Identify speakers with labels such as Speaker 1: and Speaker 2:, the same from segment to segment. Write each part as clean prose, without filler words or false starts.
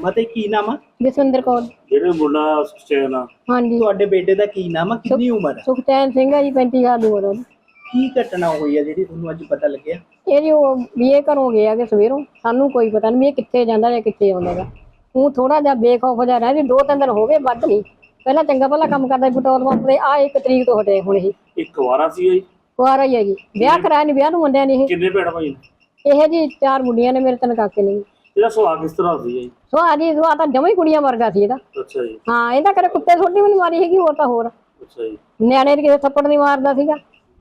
Speaker 1: ਫਤਿਹ ਕੀ ਨਾਮ ਆ?
Speaker 2: ਜਸਵਿੰਦਰ ਕੌਰ।
Speaker 3: ਜਿਹੜੇ ਮੁੰਡਾ ਸੁਖਚੈਨ ਆ,
Speaker 2: ਹਾਂਜੀ
Speaker 1: ਤੁਹਾਡੇ ਬੇਟੇ ਦਾ ਕੀ ਨਾਮ ਆ? ਕਿੰਨੀ ਉਮਰ ਆ?
Speaker 2: ਸੁਖਚੈਨ ਸਿੰਘ ਹੈ ਜੀ, 35 ਸਾਲ ਦੀ ਉਮਰ ਉਹਦੀ।
Speaker 1: ਕੀ ਘਟਨਾ ਹੋਈ ਆ ਜਿਹੜੀ ਤੁਹਾਨੂੰ ਅੱਜ ਪਤਾ ਲੱਗਿਆ?
Speaker 2: ਇਹ ਜੀ ਉਹ ਇਹ ਘਰੋਂ ਗਿਆ ਕਿ ਸਵੇਰੋਂ, ਸਾਨੂੰ ਕੋਈ ਪਤਾ ਨਹੀਂ ਵੀ ਇਹ ਕਿੱਥੇ ਜਾਂਦਾ ਜਾਂ ਕਿੱਥੇ ਆਉਂਦਾ ਗਾ। ਉਹ ਥੋੜਾ ਜਿਹਾ ਬੇਖੌਫ ਜਿਹਾ ਰਹਿ ਜੀ, 2-3 ਦਿਨ ਹੋ ਗਏ, ਵੱਧ ਨਹੀਂ। ਪਹਿਲਾਂ ਚੰਗਾ ਭਲਾ ਕੰਮ ਕਰਦਾ ਸੀ ਪੈਟਰੋਲ ਪੰਪ ਤੇ, ਆ 1 ਤਰੀਕ ਤੋਂ ਹਟੇ ਹੁਣ ਇਹ।
Speaker 3: ਇੱਕ ਵਾਰਾ ਸੀ ਜੀ,
Speaker 2: ਕੁਆਰਾ ਹੀ ਹੈ ਜੀ, ਵਿਆਹ ਕਰਾਇਆ ਨਹੀਂ, ਵਿਆਹ ਨੂੰ ਮੁੰਡਿਆਂ ਨੇ।
Speaker 3: ਕਿੰਨੇ ਭੈਣ ਭਾਈ ਨੇ?
Speaker 2: ਇਹ ਜੀ 4 ਮੁੰਡੀਆਂ ਨੇ, ਮੇਰੇ 3 ਕਾਕੇ ਨੇ।
Speaker 3: ਇਹਦਾ ਸੁਭਾਅ ਕਿਸ ਤਰ੍ਹਾਂ ਸੀ ਜੀ?
Speaker 2: ਸੁਭਾਅ ਤਾਂ ਜਮਾਂ ਹੀ ਕੁੜੀਆਂ ਵਰਗਾ ਸੀ ਇਹਦਾ।
Speaker 3: ਅੱਛਾ ਜੀ।
Speaker 2: ਹਾਂ, ਇਹਦਾ ਕਦੇ ਕੁੱਤੇ ਛੋਟੀ ਵੀ ਨਹੀਂ ਮਾਰੀ ਹੈਗੀ, ਹੋਰ ਤਾਂ ਹੋਰ।
Speaker 3: ਅੱਛਾ ਜੀ।
Speaker 2: ਨਿਆਣੇ ਦੇ ਕਿਸੇ ਥੱਪੜ ਨਹੀਂ ਮਾਰਦਾ ਸੀਗਾ।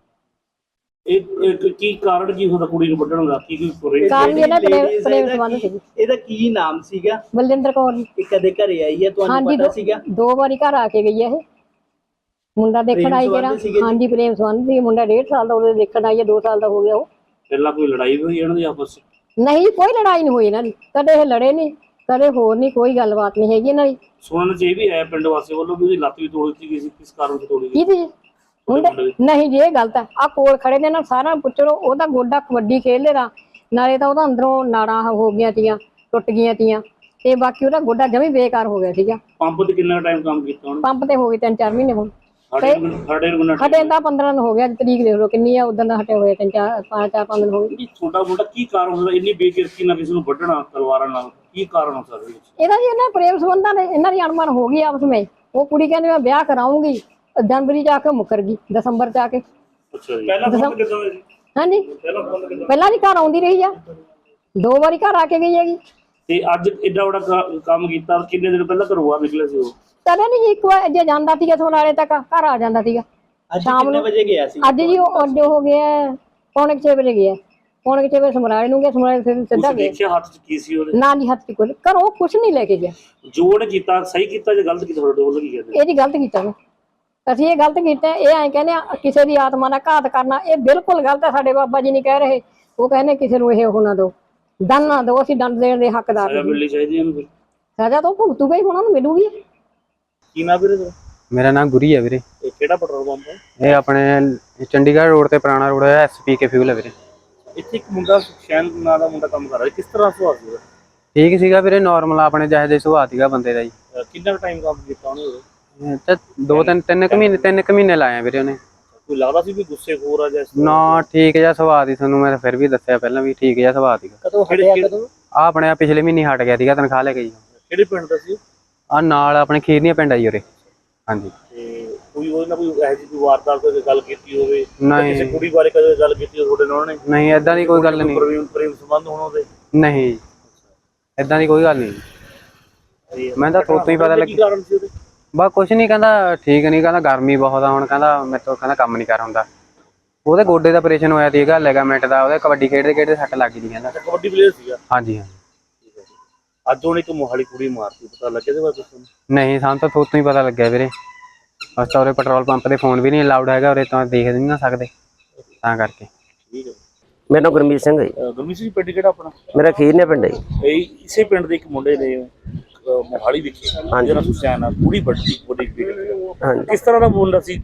Speaker 3: ਇਹ ਕੀ ਕਾਰਨ ਕੀ ਹੁੰਦਾ ਕੁੜੀ ਨੂੰ ਵੱਢਣ ਦਾ? ਕੀ ਕੋਈ
Speaker 2: ਕਾਰਨ ਵੀ ਇਹਨਾਂ ਪ੍ਰੇਮ ਸੰਬੰਧ ਸੀ।
Speaker 1: ਇਹਦਾ ਕੀ ਨਾਮ ਸੀਗਾ?
Speaker 2: ਬਲਜਿੰਦਰ ਕੌਰ ਜੀ।
Speaker 1: ਇਹ ਕਦੇ ਘਰੇ ਆਈ ਹੈ, ਤੁਹਾਨੂੰ ਪਤਾ ਸੀਗਾ?
Speaker 2: 2 ਵਾਰੀ ਘਰ ਆ ਕੇ ਗਈ ਹੈ ਇਹ। ਮੁੰਡਾ ਦੇਖਣ ਆਈ ਕਿਹੜਾ? ਹਾਂਜੀ, ਪ੍ਰੇਮ ਸੰਬੰਧ ਸੀ। ਮੁੰਡਾ 1.5 ਸਾਲ ਦਾ ਉਹਦੇ ਦੇਖਣ ਆਈ ਹੈ, 2 ਸਾਲ ਦਾ ਹੋ ਗਿਆ ਉਹ।
Speaker 3: ਪਹਿਲਾਂ ਕੋਈ ਲੜਾਈ ਹੋਈ ਇਹਨਾਂ ਦੀ ਆਪਸ ਵਿੱਚ?
Speaker 2: ਨਹੀਂ, ਕੋਈ ਲੜਾਈ ਨਹੀਂ ਹੋਈ ਇਹਨਾਂ ਦੀ, ਕਦੇ ਇਹ ਲੜੇ ਨਹੀਂ, ਕਦੇ ਹੋਰ ਨਹੀਂ, ਕੋਈ ਗੱਲਬਾਤ ਨਹੀਂ ਹੈਗੀ ਇਹਨਾਂ ਦੀ।
Speaker 3: ਸੁਣਨ ਚ ਇਹ ਵੀ ਹੈ ਪਿੰਡ ਵਾਸੀ ਵੱਲੋਂ ਵੀ ਉਹਦੀ ਲੱਤ ਵੀ ਤੋੜ ਦਿੱਤੀ ਗਈ ਸੀ, ਕਿਸ ਕਾਰਨ ਤੋਂ ਤੋੜੀ ਗਈ?
Speaker 2: ਕਿਹਦੀ? ਮੁੰਡੇ ਨਹੀਂ ਜੀ, ਇਹ ਗਲਤ ਹੈ। ਆ ਕੋਲ ਖੜੇ ਨੇ ਨਾ, ਸਾਰਾ ਪੁੱਛੋ। ਉਹਦਾ ਗੋਡਾ ਕਬੱਡੀ ਖੇਡਦੇ ਦਾ, ਨਾਲੇ ਤਾਂ ਉਹਦਾ ਅੰਦਰੋਂ ਨਾੜਾਂ ਹੋ ਗਈਆਂ ਤੀਆਂ, ਟੁੱਟ ਗਈਆਂ ਤੀਆਂ, ਤੇ ਬਾਕੀ ਉਹਦਾ ਗੋਡਾ ਜਮੀ ਬੇਕਾਰ ਹੋ ਗਿਆ ਸੀਗਾ।
Speaker 3: ਪੰਪ ਤੇ ਕਿੰਨਾ ਟਾਈਮ ਕੰਮ ਕੀਤਾ ਉਹਨੇ?
Speaker 2: ਪੰਪ ਤੇ ਹੋ ਗਏ 3-4 ਮਹੀਨੇ ਹੁਣ।
Speaker 3: ਸਾਡੇ ਨੂੰ
Speaker 2: ਹਟੇ ਤਾਂ 15 ਦਿਨ ਹੋ ਗਿਆ, ਤਰੀਕ ਦੇਖ ਲਓ ਕਿੰਨੀ ਆ, ਉਦੋਂ ਦਾ ਹਟੇ ਹੋਏ 5 ਦਿਨ ਹੋ ਗਏ।
Speaker 3: ਛੋਟਾ ਮੋਟਾ ਕੀ ਕਾਰਨ ਹੁੰਦਾ ਇੰਨੀ ਬੇਕਿਰਕੀ ਨਾਲ ਕਿਸੇ ਨੂੰ ਵੱਢਣਾ ਤਲਵਾਰਾਂ ਨਾਲ? ਕੀ ਕਾਰਨ ਹੋ ਸਕਦਾ
Speaker 2: ਇਹਦਾ ਜੀ? ਇਹਨਾਂ ਪ੍ਰੇਮ ਸੰਬੰਧਾਂ ਨੇ, ਇਹਨਾਂ ਦੀ ਅਣਮਨ ਹੋ ਗਈ ਆਪਸ ਵਿੱਚ। ਉਹ ਕੁੜੀ ਕਹਿੰਦੀ ਮੈਂ ਵਿਆਹ ਕਰਾਉਂਗੀ, ਜਨਵਰੀ ਚ ਆ ਕੇ ਮੁੱਕਰ ਗਈ, ਦਸੰਬਰ ਚ ਆ ਕੇ।
Speaker 3: ਅੱਛਾ ਜੀ। ਪਹਿਲਾਂ ਫੋਨ ਕਿੱਦਾਂ ਹੋਇਆ ਜੀ?
Speaker 2: ਹਾਂਜੀ, ਪਹਿਲਾਂ ਜੀ ਘਰ ਆਉਂਦੀ ਰਹੀ ਆ, 2 ਵਾਰੀ ਘਰ ਆ ਕੇ ਗਈ ਹੈਗੀ।
Speaker 3: ਤੇ ਅੱਜ ਏਡਾ ਵੱਡਾ ਕੰਮ ਕੀਤਾ, ਕਿੰਨੇ ਦਿਨ ਪਹਿਲਾਂ ਘਰੋਂ ਬਾਹਰ ਨਿਕਲੇ ਸੀ ਉਹ?
Speaker 2: ਕਦੇ ਨਹੀਂ, 1 ਵਾਰ ਜੇ ਜਾਂਦਾ ਸੀਗਾ ਸੋਨਾਲੇ ਤੱਕ, ਘਰ ਆ ਜਾਂਦਾ ਸੀਗਾ।
Speaker 1: ਸ਼ਾਮ ਨੂੰ ਕਿੰਨੇ ਵਜੇ ਗਿਆ ਸੀ?
Speaker 2: ਅੱਜ ਜੀ ਉਹ ਅੱਜ ਹੋ ਗਿਆ 6:45 ਵਜੇ ਗਿਆ, 6:45 ਵਜੇ ਸਮਰਾਲੇ ਨੂੰ ਗਿਆ, ਸਮਰਾਲੇ ਫਿਰ ਸਿੱਧਾ ਗਿਆ।
Speaker 3: ਦੇਖਿਆ ਹੱਥ 'ਚ ਕੀ ਸੀ ਉਹਦੇ?
Speaker 2: ਨਾ ਜੀ, ਹੱਥ 'ਚ ਕੁਝ ਘਰੋਂ ਕੁਛ ਨਹੀਂ ਲੈ ਕੇ ਗਿਆ।
Speaker 3: ਜੋੜ ਕੀਤਾ, ਸਹੀ ਕੀਤਾ ਜਾਂ ਗਲਤ ਕੀਤਾ? ਤੁਹਾਡੇ ਵੱਲੋਂ ਕੀ ਕਹਿੰਦੇ?
Speaker 2: ਇਹ ਜੀ ਗਲਤ ਕੀਤਾ ਵਾ, ਅਸੀਂ ਇਹ ਗਲਤ ਕੀਤਾ। ਇਹ ਐਂ ਕਹਿੰਦੇ ਆ ਕਿਸੇ ਦੀ ਆਤਮਾ ਦਾ ਘਾਤ ਕਰਨਾ, ਇਹ ਬਿਲਕੁਲ ਗਲਤ ਹੈ। ਸਾਡੇ ਬਾਬਾ ਜੀ ਨਹੀਂ ਕਹਿ ਰਹੇ, ਉਹ ਕਹਿੰਦੇ ਕਿਸੇ ਨੂੰ ਇਹ ਉਹ ਨਾ ਦਿਓ, ਦੰਡ ਨਾ ਦਿਓ, ਅਸੀਂ ਦੰਡ ਦੇਣ ਦੇ ਹੱਕਦਾਰ ਨਹੀਂ।
Speaker 3: ਮਿਲਣੀ ਚਾਹੀਦੀ ਇਹਨੂੰ,
Speaker 2: ਸਜ਼ਾ ਤਾਂ ਭੁਗਤੂਗਾ ਹੀ, ਉਹਨਾਂ ਨੂੰ ਮਿਲੂਗੀ।
Speaker 3: ਕੀ ਨਾ ਵੀਰੇ?
Speaker 4: ਮੇਰਾ ਨਾਮ ਗੁਰੀ ਹੈ ਵੀਰੇ।
Speaker 3: ਇਹ ਕਿਹੜਾ ਪੈਟਰੋਲ ਪੰਪ ਹੈ?
Speaker 4: ਇਹ ਆਪਣੇ ਚੰਡੀਗੜ੍ਹ ਰੋਡ ਤੇ ਪੁਰਾਣਾ ਰੋਡ ਹੈ, SPK ਫਿਊਲ ਹੈ ਵੀਰੇ।
Speaker 3: ਇੱਥੇ ਇੱਕ ਮੁੰਡਾ ਸੁਖਚੈਨ ਨਾਂ ਦਾ ਮੁੰਡਾ ਕੰਮ ਕਰ ਰਿਹਾ, ਕਿਸ ਤਰ੍ਹਾਂ ਸੁਭਾਅ ਸੀ ਉਹਦਾ?
Speaker 4: ਠੀਕ ਸੀਗਾ ਵੀਰੇ, ਨਾਰਮਲ ਆਪਣੇ ਜਿਹੇ ਜਿਹੇ ਸੁਭਾਅ ਸੀਗਾ ਬੰਦੇ ਦਾ ਜੀ।
Speaker 3: ਕਿੰਨਾ ਟਾਈਮ ਕੰਮ ਕੀਤਾ ਉਹਨੇ?
Speaker 4: ਤੇ 3 ਕੁ ਮਹੀਨੇ ਲਾਏ ਵੀਰੇ ਉਹਨੇ।
Speaker 3: ਕੋਈ ਲੱਗਦਾ ਸੀ ਵੀ ਗੁੱਸੇਖੋਰ ਆ ਜਾਂ?
Speaker 4: ਨਾ, ਠੀਕ ਜਿਹਾ ਸੁਭਾਅ ਸੀ, ਤੁਹਾਨੂੰ ਮੈਂ ਫਿਰ ਵੀ ਦੱਸਿਆ ਪਹਿਲਾਂ ਵੀ ਠੀਕ ਜਿਹਾ ਸੁਭਾਅ ਸੀਗਾ।
Speaker 2: ਕਦੋਂ ਹਟਿਆ? ਕਦੋਂ?
Speaker 4: ਆ ਆਪਣੇ ਪਿਛਲੇ ਮਹੀਨੇ ਹਟ ਗਿਆ ਸੀਗਾ, ਤਨਖਾਹ ਲੈ ਕੇ ਜੀ।
Speaker 3: ਕਿਹੜੇ ਪਿੰਡ ਦਾ ਸੀ?
Speaker 4: ਆ ਨਾਲ ਆਪਣੇ ਖੀਰਨੀਆਂ ਪਿੰਡ ਆ ਜੀ ਉਰੇ। ਹਾਂਜੀ।
Speaker 3: ਤੇ ਕੋਈ ਉਹਦੇ ਨਾਲ ਕੋਈ ਇਹੋ ਜਿਹੀ ਕੋਈ ਵਾਰਦਾਤ ਕੋਈ ਗੱਲ ਕੀਤੀ ਹੋਵੇ?
Speaker 4: ਨਹੀਂ,
Speaker 3: ਕਿਸੇ ਕੁੜੀ ਬਾਰੇ ਕਦੇ ਗੱਲ ਕੀਤੀ ਹੋਵੇ ਤੁਹਾਡੇ ਨਾਲ ਉਹਨੇ?
Speaker 4: ਨਹੀਂ, ਏਦਾਂ ਦੀ ਕੋਈ ਗੱਲ ਨਹੀਂ।
Speaker 3: ਪ੍ਰੇਮ ਸੰਬੰਧ ਹੋਣ ਉਹਦੇ?
Speaker 4: ਨਹੀਂ, ਏਦਾਂ ਦੀ ਕੋਈ ਗੱਲ ਨਹੀਂ। ਮੈਂ ਤਾਂ ਤੋਂ ਹੀ ਪਤਾ
Speaker 3: ਕੀ ਕਾਰਨ ਸੀ ਉਹਦੇ?
Speaker 4: ਬਸ ਕੁਛ ਨਹੀਂ, ਕਹਿੰਦਾ ਠੀਕ ਨਹੀਂ, ਕਹਿੰਦਾ ਗਰਮੀ ਬਹੁਤ ਆ ਹੁਣ, ਕਹਿੰਦਾ ਮੇਰੇ ਤੋਂ ਕਹਿੰਦਾ ਕੰਮ ਨਹੀਂ ਕਰ ਹੁੰਦਾ। ਉਹਦੇ ਗੋਡੇ ਦਾ ਆਪਰੇਸ਼ਨ ਹੋਇਆ ਸੀਗਾ, ਲਿਗਾਮੈਂਟ ਦਾ, ਉਹਦੇ ਕਬੱਡੀ ਖੇਡਦੇ ਸੱਟ ਲੱਗ ਗਈ ਕਹਿੰਦਾ।
Speaker 3: ਕਬੱਡੀ ਪਲੇਅਰ ਸੀਗਾ?
Speaker 4: ਹਾਂਜੀ ਹਾਂ।
Speaker 3: ਅੱਜ ਉਹਨੇ ਇੱਕ ਮੋਹਾਲੀ ਕੁੜੀ ਮਾਰਤੀ, ਪਤਾ ਲੱਗਿਆ ਇਹਦੇ ਬਾਰੇ ਕੁਛ?
Speaker 4: ਨਹੀਂ, ਸਾਨੂੰ ਤਾਂ ਤੋਂ ਹੀ ਪਤਾ ਲੱਗਿਆ ਵੀਰੇ। ਬਸ ਤਾਂ ਉਰੇ ਪੈਟਰੋਲ ਪੰਪ ਤੇ ਫੋਨ ਵੀ ਨਹੀਂ ਅਲਾਉਡ ਹੈਗਾ ਉਰੇ, ਤਾਂ ਦੇਖ ਨਹੀਂ ਨਾ ਸਕਦੇ, ਤਾਂ ਕਰਕੇ।
Speaker 3: ਠੀਕ ਹੈ।
Speaker 5: ਮੇਰਾ ਨਾਮ ਗੁਰਮੀਤ ਸਿੰਘ ਹੈ ਜੀ।
Speaker 3: ਗੁਰਮੀਤ ਸਿੰਘ ਪਿੰਡ ਕਿਹੜਾ ਆਪਣਾ?
Speaker 5: ਮੇਰਾ ਖੀਰਨੇ ਪਿੰਡ ਹੈ ਜੀ।
Speaker 3: ਇਹ ਇਸੇ ਪਿੰਡ ਦੇ ਇੱਕ ਮੁੰਡੇ ਨੇ ਮੋਹਾਲੀ ਵਿਖੇ ਜਿਹੜਾ ਸੁਖਚੈਨ ਆ ਕੁੜੀ ਵੱਡੀ।
Speaker 5: ਹਾਂਜੀ,
Speaker 3: ਕਿਸ ਤਰ੍ਹਾਂ ਦਾ ਮੁੰਡਾ ਸੀ?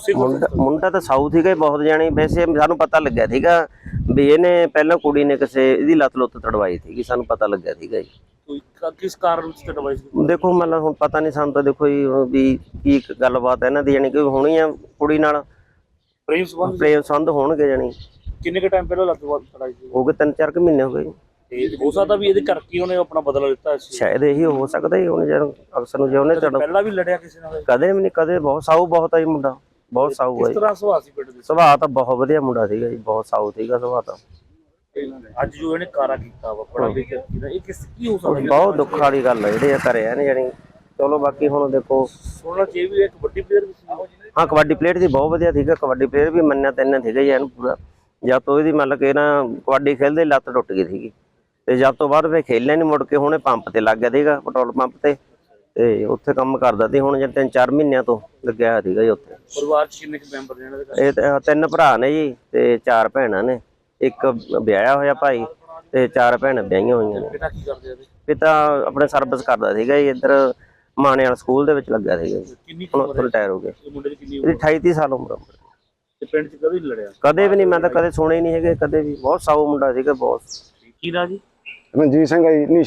Speaker 5: ਮੁੰਡਾ ਤਾਂ ਸਾਊਥ ਸੀਗਾ ਬਹੁਤ ਜਾਣੀ। ਵੈਸੇ ਸਾਨੂੰ ਪਤਾ ਲੱਗਿਆ ਸੀਗਾ ਵੀ ਇਹਨੇ ਪਹਿਲਾਂ ਕੁੜੀ ਨੇ ਕਿਸੇ ਇਹਦੀ ਲੱਤ ਲੁੱਤ ਤੜਵਾਈ ਸੀਗੀ, ਸਾਨੂੰ ਪਤਾ ਲੱਗਿਆ ਸੀਗਾ ਜੀ।
Speaker 3: ਕਿਸ ਕਾਰਨ ਵਿੱਚ ਤੜਵਾਈ ਸੀ?
Speaker 5: ਦੇਖੋ ਮਤਲਬ ਹੁਣ ਪਤਾ ਨਹੀਂ ਸਾਨੂੰ ਤਾਂ, ਦੇਖੋ ਜੀ ਵੀ ਕੀ ਗੱਲਬਾਤ ਇਹਨਾਂ ਦੀ, ਜਾਣੀ ਕਿ ਹੋਣੀ ਆ ਕੁੜੀ ਨਾਲ
Speaker 3: ਪ੍ਰੇਮ
Speaker 5: ਸੰਬੰਧ ਹੋਣਗੇ ਜਾਣੀ।
Speaker 3: ਕਿੰਨੇ ਕੁ ਟਾਈਮ ਪਹਿਲਾਂ ਲੱਤ ਤੜਾਈ ਸੀ?
Speaker 5: ਹੋ ਗਏ 3-4 ਮਹੀਨੇ ਹੋ ਗਏ ਜੀ।
Speaker 3: ਤੇ ਹੋ ਸਕਦਾ ਵੀ ਇਹਦੇ ਕਰਕੇ ਉਹਨੇ ਆਪਣਾ ਬਦਲਾ ਲਿੱਤਾ ਸੀ।
Speaker 5: ਸ਼ਾਇਦ ਇਹੀ ਹੋ ਸਕਦਾ ਜੀ। ਹੁਣ ਜਦੋਂ ਅਫਸਰ ਨੂੰ ਜੇ ਉਹਨੇ
Speaker 3: ਪਹਿਲਾਂ ਵੀ ਲੜਿਆ ਕਿਸੇ ਨਾਲ?
Speaker 5: ਕਦੇ ਵੀ ਨਹੀਂ, ਕਦੇ। ਬਹੁਤ ਸਾਊ ਬਹੁਤ ਆ ਜੀ ਮੁੰਡਾ, ਬਹੁਤ ਸਾਊ ਹੈ।
Speaker 3: ਕਿਸ ਤਰ੍ਹਾਂ ਸੁਭਾਅ ਸੀ ਪਿੰਡ ਦੇ?
Speaker 5: ਸੁਭਾਅ ਤਾਂ ਬਹੁਤ ਵਧੀਆ ਮੁੰਡਾ ਸੀਗਾ ਜੀ, ਬਹੁਤ ਸਾਊ ਸੀਗਾ ਸੁਭਾਅ ਤਾਂ।
Speaker 3: ਅੱਜ ਜੋ ਇਹਨੇ ਕਾਰਾ ਕੀਤਾ ਵਾ ਬੜਾ ਬੇਇੱਜ਼ਤੀ ਦਾ, ਇਹ ਕੀ ਹੋ ਸਕਦਾ?
Speaker 5: ਬਹੁਤ ਦੁੱਖ ਵਾਲੀ ਗੱਲ ਹੈ ਜਿਹੜੇ ਕਰਿਆ ਨੇ ਜਾਣੀ। ਚਲੋ ਬਾਕੀ ਹੁਣ ਦੇਖੋ,
Speaker 3: ਸੁਣਨਾ ਚਾਹੀਦਾ ਵੀ ਇੱਕ ਵੱਡੀ ਪਲੇਅਰ ਵੀ ਸੀ।
Speaker 5: ਹਾਂ, ਕਬੱਡੀ ਪਲੇਅਰ ਦੀ ਬਹੁਤ ਵਧੀਆ ਸੀਗਾ, ਕਬੱਡੀ ਪਲੇਅਰ ਵੀ ਮੰਨਿਆ ਤੈਨਾਂ ਸੀਗਾ ਜੀ ਇਹਨੂੰ ਪੂਰਾ। ਜਦ ਤੋਂ ਇਹਦੀ ਮਤਲਬ ਕਿ ਨਾ ਕਬੱਡੀ ਖੇਲਦੇ ਲੱਤ ਟੁੱਟ ਗਈ ਸੀਗੀ, ਤੇ ਜਦ ਤੋਂ ਬਾਅਦ ਫਿਰ ਖੇਲਿਆ ਨਹੀਂ ਮੁੜ ਕੇ। ਹੁਣੇ ਪੰਪ ਤੇ ਲੱਗ ਗਿਆ ਸੀਗਾ, ਪੈਟਰੋਲ ਪੰਪ ਤੇ ਉੱਥੇ ਕੰਮ ਕਰਦਾ ਸੀ। ਹੁਣ ਜੇ 3-4 ਮਹੀਨਿਆਂ ਤੋਂ ਲੱਗਿਆ ਹੋਇਆ ਸੀਗਾ ਜੀ ਉੱਥੇ।
Speaker 3: ਪਰਿਵਾਰ ਚ ਕਿੰਨੇ ਮੈਂਬਰ ਨੇ ਇਹਨਾਂ ਦੇ?
Speaker 5: ਇਹ 3 ਭਰਾ ਨੇ ਜੀ ਤੇ 4 ਭੈਣਾਂ ਨੇ। ਇੱਕ ਵਿਆਹਿਆ ਹੋਇਆ ਭਾਈ ਤੇ 4 ਭੈਣਾਂ ਵਿਆਹੀਆਂ ਹੋਈਆਂ ਨੇ।
Speaker 3: ਪਿਤਾ ਕੀ ਕਰਦੇ ਆ?
Speaker 5: ਪਿਤਾ ਆਪਣੇ ਸਰਵਿਸ ਕਰਦਾ ਸੀਗਾ ਜੀ, ਇੱਧਰ ਮਾਣੇ ਵਾਲਾ ਸਕੂਲ ਦੇ ਵਿੱਚ ਲੱਗਿਆ ਸੀਗਾ ਜੀ।
Speaker 3: ਕਿੰਨੀ
Speaker 5: ਹੁਣ ਰਿਟਾਇਰ ਹੋ ਗਏ।
Speaker 3: ਮੁੰਡੇ ਦੀ ਕਿੰਨੀ
Speaker 5: ਇਹਦੀ 28-30 ਸਾਲ ਉਮਰ।
Speaker 3: ਤੇ ਪਿੰਡ ਚ ਕਦੇ ਨਹੀਂ ਲੜਿਆ?
Speaker 5: ਕਦੇ ਵੀ ਨਹੀਂ, ਮੈਂ ਤਾਂ ਕਦੇ ਸੁਣੇ ਹੀ ਨਹੀਂ ਹੈਗੇ ਕਦੇ ਵੀ। ਬਹੁਤ ਸਾਊ ਮੁੰਡਾ ਸੀਗਾ, ਬਹੁਤ।
Speaker 3: ਕੀ ਨਾ ਜੀ?
Speaker 6: ਮਨਜੀਤ ਸਿੰਘ ਹੈ ਜੀ, ਨੀਸ਼ਾ।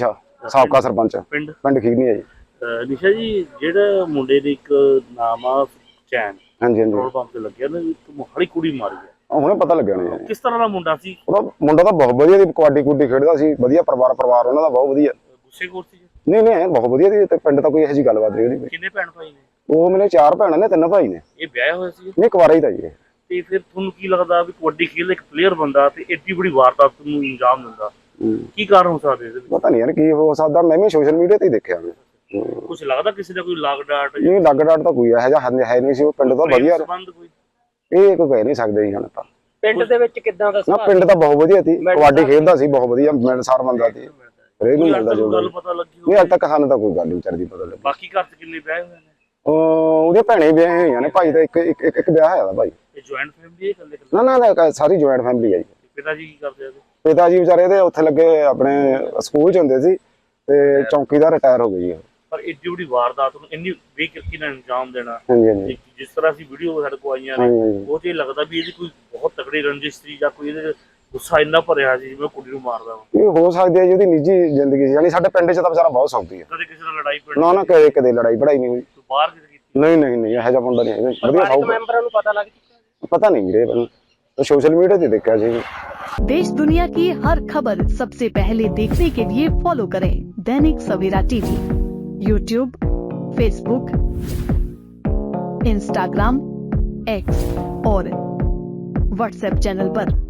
Speaker 6: ਸਾਬਕਾ ਸਰਪੰਚ
Speaker 3: ਪਿੰਡ
Speaker 6: ਪਿੰਡ ਖੀਰਨੀ ਹੈ ਜੀ।
Speaker 3: ਨਿਸ਼ਾ ਜੀ, ਜਿਹੜਾ ਮੁੰਡੇ ਦੇ ਇੱਕ ਨਾਮ ਆ ਚੈਨ
Speaker 6: ਹਾਂਜੀ ਹਾਂਜੀ
Speaker 3: ਪੈਟਰੋਲ ਪੰਪ ਤੇ ਲੱਗਿਆ ਨਾ, ਇੱਕ ਮੋਹਾਲੀ ਕੁੜੀ ਮਾਰੀ ਹੈ,
Speaker 6: ਹੁਣੇ ਪਤਾ ਲੱਗਿਆ ਨੇ ਜੀ।
Speaker 3: ਕਿਸ ਤਰ੍ਹਾਂ ਦਾ ਮੁੰਡਾ ਸੀ?
Speaker 6: ਉਹਦਾ ਮੁੰਡਾ ਤਾਂ ਬਹੁਤ ਵਧੀਆ ਦੀ ਕਬੱਡੀ ਕੁੱਡੀ ਖੇਡਦਾ ਸੀ, ਵਧੀਆ ਪਰਿਵਾਰ ਉਹਨਾਂ ਦਾ ਬਹੁਤ ਵਧੀਆ।
Speaker 3: ਗੁੱਸੇਖੋਰ ਸੀ?
Speaker 6: ਨਹੀਂ ਬਹੁਤ ਵਧੀਆ ਦੀ, ਤੇ ਪਿੰਡ ਤਾਂ ਕੋਈ ਇਹੋ ਜਿਹੀ ਗੱਲਬਾਤ ਨਹੀਂ ਉਹਦੀ।
Speaker 3: ਕਿੰਨੇ ਭੈਣ ਭਾਈ ਨੇ?
Speaker 6: ਉਹ ਮੇਰੇ 4 ਭੈਣਾਂ ਨੇ 3 ਭਾਈ ਨੇ।
Speaker 3: ਇਹ ਵਿਆਹਿਆ ਹੋਇਆ ਸੀ?
Speaker 6: ਨਹੀਂ ਕੁਆਰਾ ਹੀ ਤਾਂ ਜੀ ਇਹ।
Speaker 3: ਤੇ ਫਿਰ ਤੁਹਾਨੂੰ ਕੀ ਲੱਗਦਾ ਵੀ ਕਬੱਡੀ ਖੇਡ ਇੱਕ ਪਲੇਅਰ ਬੰਦਾ ਤੇ ਏਡੀ ਬੜੀ ਵਾਰਦਾਤ ਨੂੰ ਅੰਜਾਮ ਦਿੰਦਾ, ਕੀ ਕਾਰਨ ਹੋ ਸਕਦੇ ਇਹਦੇ ਵਿੱਚ?
Speaker 6: ਪਤਾ ਨਹੀਂ ਯਾਰ ਕੀ ਹੋ ਸਕਦਾ, ਮੈਂ ਵੀ ਸੋਸ਼ਲ ਮੀਡੀਆ ਤੇ ਹੀ ਦੇਖਿਆ ਮੈਂ।
Speaker 3: ਕੁਝ ਲੱਗਦਾ ਕਿਸੇ ਦਾ ਕੋਈ ਲਾਗ ਡਾਟ
Speaker 6: ਨਹੀਂ ਲੱਗ ਡਾਟ ਤਾਂ ਕੋਈ ਇਹੋ ਜਿਹਾ ਹੈ ਨਹੀਂ ਸੀ, ਉਹ ਪਿੰਡ ਤਾਂ ਵਧੀਆ।
Speaker 3: ਸੰਬੰਧ ਕੋਈ?
Speaker 6: ਇਹ ਕੋਈ ਕਹਿ ਨਹੀਂ ਸਕਦੇ ਜੀ ਹੁਣ ਤਾਂ।
Speaker 1: ਪਿੰਡ ਦੇ ਵਿੱਚ ਕਿੱਦਾਂ ਦਾ
Speaker 6: ਨਾ ਪਿੰਡ ਤਾਂ ਬਹੁਤ ਵਧੀਆ ਸੀ, ਕਬੱਡੀ ਖੇਡਦਾ ਸੀ ਬਹੁਤ ਵਧੀਆ, ਮਿਲਣਸਾਰ ਬੰਦਾ ਸੀ, ਹਰੇਕ ਨੂੰ ਮਿਲਦਾ ਜੋ
Speaker 3: ਗੱਲ ਪਤਾ ਲੱਗੀ
Speaker 6: ਨਹੀਂ। ਅੱਜ ਤੱਕ ਸਾਨੂੰ ਤਾਂ ਕੋਈ ਗੱਲ ਨਹੀਂ ਵਿਚਾਰਦੀ ਪਤਾ ਲੱਗੀ।
Speaker 3: ਬਾਕੀ ਘਰ ਚ ਕਿੰਨੇ ਵਿਆਹ ਹੋਏ ਨੇ?
Speaker 6: ਉਹਦੀਆਂ ਭੈਣੇ ਵਿਆਹ ਹੋਈਆਂ ਨੇ, ਭਾਈ ਦਾ ਇੱਕ ਵਿਆਹ ਹੋਇਆ ਦਾ ਭਾਈ।
Speaker 3: ਇਹ ਜੁਆਇੰਟ ਫੈਮਿਲੀ ਹੈ ਇਕੱਲੇ?
Speaker 6: ਨਾ ਸਾਰੀ ਜੁਆਇੰਟ ਫੈਮਿਲੀ ਹੈ ਜੀ।
Speaker 3: ਪਿਤਾ ਜੀ ਕੀ ਕਰਦੇ ਆ?
Speaker 6: ਪਿਤਾ ਜੀ ਵਿਚਾਰੇ ਦੇ ਉੱਥੇ ਲੱਗੇ ਆਪਣੇ ਸਕੂਲ ਚ ਹੁੰਦੇ ਸੀ, ਤੇ ਚੌਂਕੀਦਾਰ ਰਿਟਾਇਰ ਹੋ ਗਏ ਜੀ।
Speaker 3: ਪਰ ਏਡੀ ਵੱਡੀ ਵਾਰਦਾਤ ਨੂੰ ਇੰਨੀ ਬੇਕਿਰਕੀ ਨਾਲ ਅੰਜਾਮ ਦੇਣਾ,
Speaker 6: ਹਾਂਜੀ ਹਾਂਜੀ
Speaker 3: ਜਿਸ ਤਰ੍ਹਾਂ ਅਸੀਂ ਵੀਡੀਓ ਸਾਡੇ ਕੋਲ ਆਈਆਂ ਨੇ, ਉਹ ਤੇ ਲੱਗਦਾ ਵੀ ਇਹਦੀ ਕੋਈ ਬਹੁਤ ਤਕੜੀ ਰੰਜਿਸ਼ ਸੀ ਜਾਂ ਕੋਈ ਇਹਦੇ ਗੁੱਸਾ ਇੰਨਾ ਭਰਿਆ ਸੀ ਜਿਵੇਂ ਕੁੜੀ ਨੂੰ ਮਾਰਦਾ ਵਾ।
Speaker 6: ਇਹ ਹੋ ਸਕਦੀ ਹੈ ਜੀ, ਉਹਦੀ ਨਿੱਜੀ ਜ਼ਿੰਦਗੀ ਸੀ। ਯਾਨੀ ਸਾਡੇ ਪਿੰਡ ਚ ਤਾਂ ਵਿਚਾਰਾ ਬਹੁਤ ਸੌਖੀ ਹੈ।
Speaker 3: ਕਦੇ ਕਿਸੇ ਨਾਲ ਲੜਾਈ
Speaker 6: ਨਾ ਕਦੇ ਲੜਾਈ ਪੜਾਈ ਨਹੀਂ ਹੋਈ।
Speaker 3: ਬਾਹਰ ਕਿਤੇ ਕੀਤੀ?
Speaker 6: ਨਹੀਂ ਇਹੋ ਜਿਹਾ ਮੁੰਡਾ ਨਹੀਂ ਹੈਗਾ, ਵਧੀਆ ਸੌਖਾ।
Speaker 1: ਮੈਂਬਰਾਂ ਨੂੰ ਪਤਾ ਲੱਗ ਚੁੱਕਾ?
Speaker 6: ਪਤਾ ਨਹੀਂ ਵੀਰੇ, तो सोशल मीडिया ਤੇ ਦੇਖਿਆ ਸੀ।
Speaker 7: देश दुनिया की हर खबर सबसे पहले देखने के लिए फॉलो करें Dainik Savera TV, YouTube, Facebook, Instagram, X और व्हाट्सएप चैनल पर।